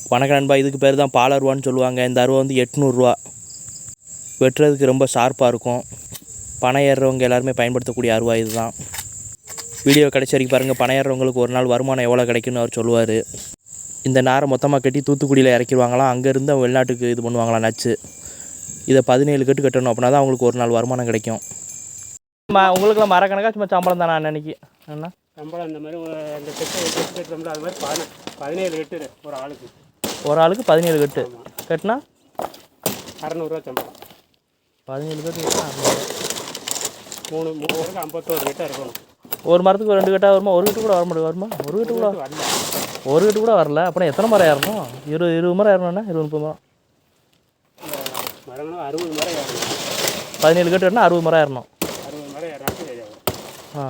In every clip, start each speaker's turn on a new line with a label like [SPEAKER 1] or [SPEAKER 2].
[SPEAKER 1] வணக்கம் நண்பா. இதுக்கு பேர் தான் பால் அருவான்னு சொல்லுவாங்க. இந்த அருவா வந்து 800 ரூபா. வெட்டுறதுக்கு ரொம்ப ஷார்ப்பாக இருக்கும். பனை ஏறுறவங்க எல்லாருமே பயன்படுத்தக்கூடிய அருவா இது தான். வீடியோ கடைசி வரைக்கும் பாருங்கள். பனை ஏறுறவங்களுக்கு ஒரு நாள் வருமானம் எவ்வளோ கிடைக்குன்னு அவர் சொல்லுவார். இந்த நாரை மொத்தமாக கட்டி தூத்துக்குடியில் இறக்கிடுவாங்களாம். அங்கேருந்து அவங்க வெளிநாட்டுக்கு இது பண்ணுவாங்களாம் நச்சு. இதை 17 கட்டு கட்டணும். அப்படின்னா தான் அவங்களுக்கு ஒரு நாள் வருமானம் கிடைக்கும். உங்களுக்குலாம் மரக்கணக்காக சும்மா சம்பளம் தானே அன்னைக்கு அண்ணா?
[SPEAKER 2] சம்பளம் இந்த மாதிரி அந்த கட்டு அது மாதிரி 17 கட்டு ஒரு
[SPEAKER 1] ஆளுக்கு 17 கட்டு கட்டினா
[SPEAKER 2] 600 சம்பளம்.
[SPEAKER 1] 17 கட்டு கட்டினா
[SPEAKER 2] 3 51 கட்டாக இருக்கணும்.
[SPEAKER 1] ஒரு மரத்துக்கு 2 கட்டாக வருமா? ஒரு கட்டு கூட வர மாட்டேங்குது. வருமா? ஒரு கட்டு கூட வரல. ஒரு கட்டு கூட வரல. அப்புறம் எத்தனை மரம் ஏறணும்? 20 மரம் ஏறணும்னா 20-30 மரம்.
[SPEAKER 2] மரங்களும் 60 மரம் ஏறணும்.
[SPEAKER 1] 17 கட்டு கட்டினா 60 மரம் ஏறணும்.
[SPEAKER 2] 60 மரம் ஏறாச்சு.
[SPEAKER 1] ஆ,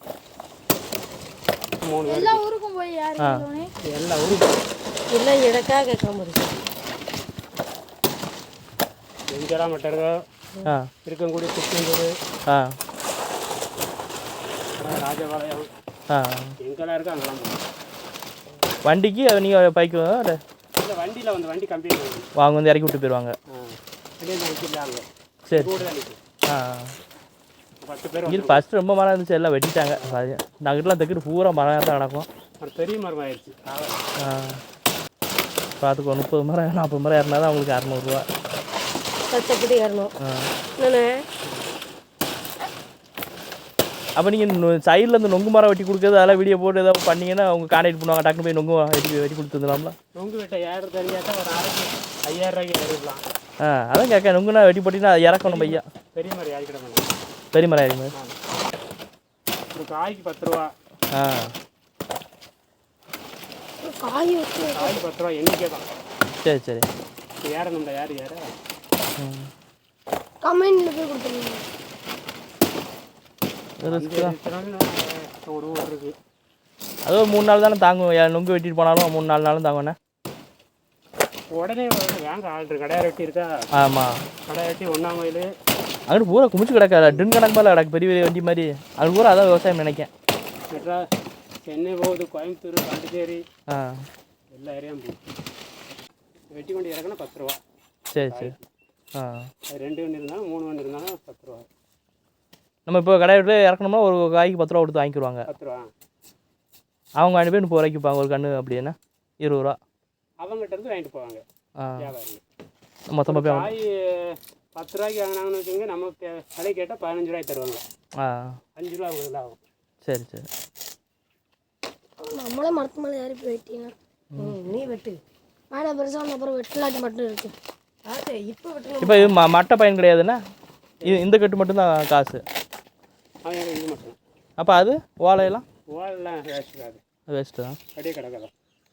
[SPEAKER 3] எல்லா ஊருக்கும் போய்
[SPEAKER 2] எல்லா ஊருக்கும்
[SPEAKER 3] இல்லை இடக்காக கேட்க முடியும்.
[SPEAKER 2] எங்கெல்லாம் மட்டருங்க இருக்கக்கூடிய திருச்செந்தூர், ராஜபாளையம், எங்கெல்லாம் இருக்கோ அங்கெல்லாம்
[SPEAKER 1] வண்டிக்கு நீங்கள் பைக்கு
[SPEAKER 2] இல்லை வண்டியில் வந்து வண்டி கம்பெனி
[SPEAKER 1] வாங்க வந்து இறக்கி விட்டு போயிடுவாங்க. சரி.
[SPEAKER 2] 10 பேர்.
[SPEAKER 1] இது ஃபஸ்ட்டு ரொம்ப மரம் இருந்துச்சு, எல்லாம் வெட்டிட்டாங்க. நாங்கிட்டலாம் தைக்கிட்டு பூரா மரம் தான் நடக்கும்.
[SPEAKER 2] ஒரு பெரிய மரம் ஆயிடுச்சு.
[SPEAKER 1] பார்த்துக்கோ, 30 மரம் 40 மரம் ஏறினா தான் அவங்களுக்கு 600 ரூபா. அப்போ நீங்கள் சைடில் இந்த நொங்கு மரம் வெட்டி கொடுக்குறது அதெல்லாம் வீடியோ போட்டு ஏதாவது பண்ணிங்கன்னா அவங்க கான்டாக்ட் பண்ணுவாங்க. டக்குனு போய் நொங்கு வெட்டி கொடுத்துருந்தலாம்ல.
[SPEAKER 2] நொங்கு வெட்ட யாரும் தெரியாத ஒரு நாளைக்கு 5000 ரூபாய்க்கு எடுக்கலாம்.
[SPEAKER 1] அதான் கேட்க. நொங்குனா வெட்டி போட்டிங்கன்னா அது இறக்கணும் பையா.
[SPEAKER 2] பெரிய மரம் யாருக்கிட மாட்டேன்.
[SPEAKER 1] பெரிய மரம் ஆயிருமே.
[SPEAKER 2] ஒரு காய்க்கு 10 ரூபா.
[SPEAKER 3] காய்
[SPEAKER 2] 10 ரூபா எண்ணிக்கை தான்.
[SPEAKER 1] சரி சரி.
[SPEAKER 2] ஏறணும்டா. யார் ஏற
[SPEAKER 3] கமெண்ட்ல போய் கொடுத்துருங்க.
[SPEAKER 2] ஒரு ஊர் இருக்குது.
[SPEAKER 1] அது ஒரு 3 நாள் தானே தாங்கும். நொங்கு வெட்டிட்டு போனாலும் 3-4 நாளும் தாங்கண்ணே.
[SPEAKER 2] உடனே வாங்க ஆள்ரு. கடையை வெட்டி இருக்கா?
[SPEAKER 1] ஆமாம்.
[SPEAKER 2] கடை வெட்டி ஒன்றாமையில்
[SPEAKER 1] அங்கிட்டு பூரா குமிச்சு கிடக்காது. ட்ரின் கணக்கு மேலே கிடக்கு. பெரிய பெரிய வண்டி மாதிரி. அது பூரா அதான் விவசாயம் நினைக்கேன்.
[SPEAKER 2] மெட்ராஸ், சென்னை போகுது, கோயம்புத்தூர், பாண்டிச்சேரி, எல்லா ஏரியாவும் போகுது. வெட்டி வண்டி இறக்குனா 10 ரூபா.
[SPEAKER 1] சரி சரி.
[SPEAKER 2] அது 2 வண்டி இருந்தாலும் 3 வண்டி இருந்தாலும் 10 ரூபா.
[SPEAKER 1] நம்ம இப்போ கடை விட்டு இறக்கணும்னா ஒரு காய்க்கு 10 ரூபா கொடுத்து வாங்கிக்குவாங்க.
[SPEAKER 2] 10 ரூபா.
[SPEAKER 1] அவங்க 2 பேர் 30 ரூபாய்க்கு விற்பாங்க. ஒரு கன்று அப்படின்னா 20 ரூபா
[SPEAKER 2] அவங்ககிட்ட இருந்து வாங்கிட்டு போவாங்க வியாபாரிங்க.
[SPEAKER 1] மொத்தமாக போய்
[SPEAKER 2] காய் 10 ரூபாய்க்கு வாங்கினாங்கன்னு வச்சுக்கோங்க. நம்ம விலை கேட்டால் 15 ரூபாய்க்கு தருவாங்க. 5 ரூபா அவங்களுக்கு ஆகும். சரி
[SPEAKER 1] சரி.
[SPEAKER 3] நம்மளே மரத்து மேலே ஏறி போய் வெட்டினா நீ வெட்டு மேலே பெருசாக அப்புறம் வெட்டலாட்டி மட்டும் இருக்கு.
[SPEAKER 1] இப்போ இது மட்டை பயன் கிடையாதுண்ணா. இந்த கட்டு மட்டும்தான் காசு.
[SPEAKER 2] இது மட்டும்.
[SPEAKER 1] அப்போ அது ஓலையெல்லாம் வேஸ்ட்டு தான்.
[SPEAKER 2] அப்படியே கிடக்காதான்.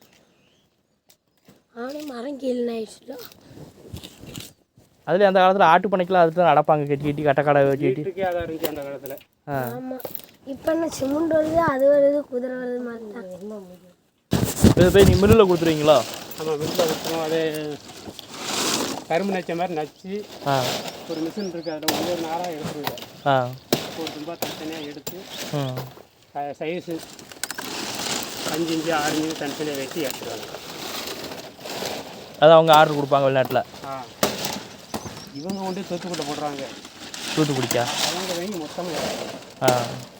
[SPEAKER 3] ஆனால் மரம் கீழே ஆயிடுச்சுல.
[SPEAKER 1] அதில் அந்த காலத்தில் ஆட்டு பண்ணைக்கெலாம் அதுக்கு தான் நடப்பாங்க. கட்டி கட்டி கட்டக்கடை வெட்டி
[SPEAKER 2] அதான் இருந்துச்சு அந்த காலத்தில்.
[SPEAKER 3] ஆமாம். இப்போ என்ன சிமெண்ட் வருது, அது வருது, குதிரை வருது மாதிரி தான்.
[SPEAKER 1] இது போய் நீங்கள் மில்லில் கொடுத்துருவீங்களா?
[SPEAKER 2] ஆமாம், மில்லில் கொடுத்துருவோம். அது கரும்பு நச்ச மாதிரி நச்சு ஒரு மிஷின் இருக்குது. அதில் ஒவ்வொரு நாராக எடுத்துருவோம். ஒரு தும்பா தனித்தனியாக எடுத்து சைஸு 5 இன்ச்சு 6 இன்ச்சு தனித்தனியாக வெட்டி எடுத்துருவாங்க.
[SPEAKER 1] அது அவங்க ஆர்டர் கொடுப்பாங்க வெளிநாட்டில்.
[SPEAKER 2] இவங்க கொண்டு தூத்துக்குட்டை போடுறாங்க.
[SPEAKER 1] தூத்துக்குடிக்கா?
[SPEAKER 2] அவங்க வாங்கி மொத்தமாக